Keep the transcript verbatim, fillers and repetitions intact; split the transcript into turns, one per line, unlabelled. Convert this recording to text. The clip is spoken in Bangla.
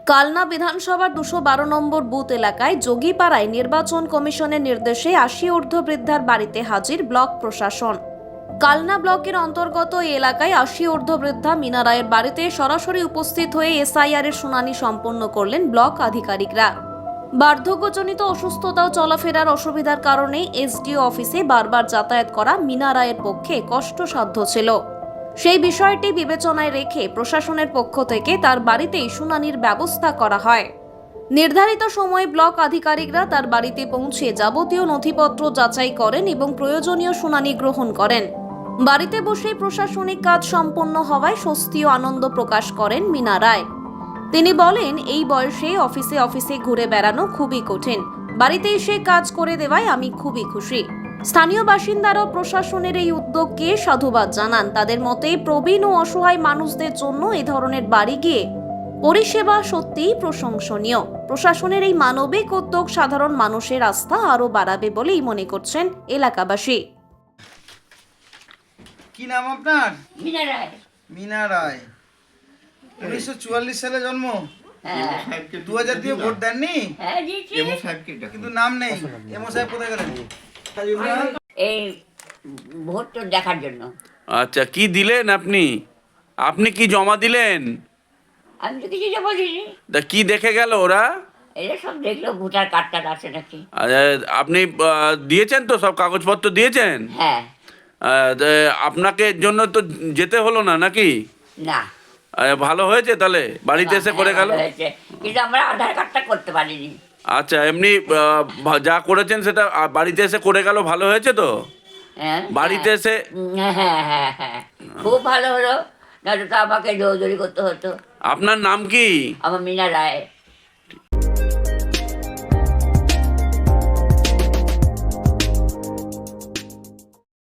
কালনা বিধানসভার দুশো বারো নম্বর বুথ এলাকায় যোগীপাড়ায় নির্বাচন কমিশনের নির্দেশে আশি ঊর্ধ্ব বৃদ্ধার বাড়িতে হাজির ব্লক প্রশাসন। কালনা ব্লকের অন্তর্গত এই এলাকায় আশি ঊর্ধ্ব বৃদ্ধা মিনা রায়ের বাড়িতে সরাসরি উপস্থিত হয়ে এসআইআর এর শুনানি সম্পন্ন করলেন ব্লক আধিকারিকরা। বার্ধক্যজনিত অসুস্থতা ও চলাফেরার অসুবিধার কারণে এসডিও অফিসে বারবার যাতায়াত করা মিনা রায়ের পক্ষে কষ্টসাধ্য ছিল। সেই বিষয়টি বিবেচনায় রেখে প্রশাসনের পক্ষ থেকে তার বাড়িতেই শুনানির ব্যবস্থা করা হয়। নির্ধারিত সময়ে ব্লক আধিকারিকরা তার বাড়িতে পৌঁছে যাবতীয় নথিপত্র যাচাই করেন এবং প্রয়োজনীয় শুনানি গ্রহণ করেন। বাড়িতে বসে প্রশাসনিক কাজ সম্পন্ন হওয়ায় স্বস্তি ও আনন্দ প্রকাশ করেন মিনা রায়। তিনি বলেন, এই বয়সে অফিসে অফিসে ঘুরে বেড়ানো খুবই কঠিন, বাড়িতে এসে কাজ করে দেওয়ায় আমি খুবই খুশি। স্থানীয় বাসিন্দারাও প্রশাসনের এই উদ্যোগকে সাধুবাদ জানান। তাদের মতে প্রবীণ ও অসহায় মানুষদের জন্য এই ধরনের বাড়ি গিয়ে পরিষেবা সত্যিই প্রশংসনীয়। প্রশাসনের এই মানবিক উদ্যোগ সাধারণ মানুষের আস্থা আরও বাড়াবে বলেই মনে করছেন এলাকাবাসী।
কি নাম আপনার?
মিনা রায়।
মিনা রায়। উনিশশো চুয়াল্লিশ সালে জন্ম।
হ্যাঁ
দু হাজার দিয়ে ভোট দেননি,
হ্যাঁ দিয়েছি।
কিন্তু নাম নেই। এমও সাহেব কোথায় গেলেন?
এই ভোট তো দেখার জন্য।
আচ্ছা, কি দিলেন আপনি? আপনি কি জমা দিলেন?
আমি তো কিছু জমা দিইনি।
তা কি দেখে গেল ওরা?
এরা সব দেখলো ভোটার কার্ডটা আছে নাকি।
আচ্ছা, আপনি আহ, দিয়েছেন তো, সব কাগজপত্র দিয়েছেন?
হ্যাঁ।
আহ, তা আপনাকে এর জন্য তো যেতে হলো না নাকি?
না।
আহ, ভালো হয়েছে তাহলে, বাড়িতে এসে করে গেল।
ভালো হয়েছে, কিন্তু আমরা আধার কার্ডটা করতে পারিনি।
আচ্ছা, এমনি আহ, ভা- যা করেছেন সেটা আহ, বাড়িতে এসে করে গেল, ভালো হয়েছে তো?
হ্যাঁ
বাড়িতে এসে
হ্যাঁ হ্যাঁ হ্যাঁ হ্যাঁ খুব ভালো হলো, নয়তো তো আমাকে দৌড়দৌড়ি করতে হতো।
আপনার নাম কি?
আমার মিনা রায়।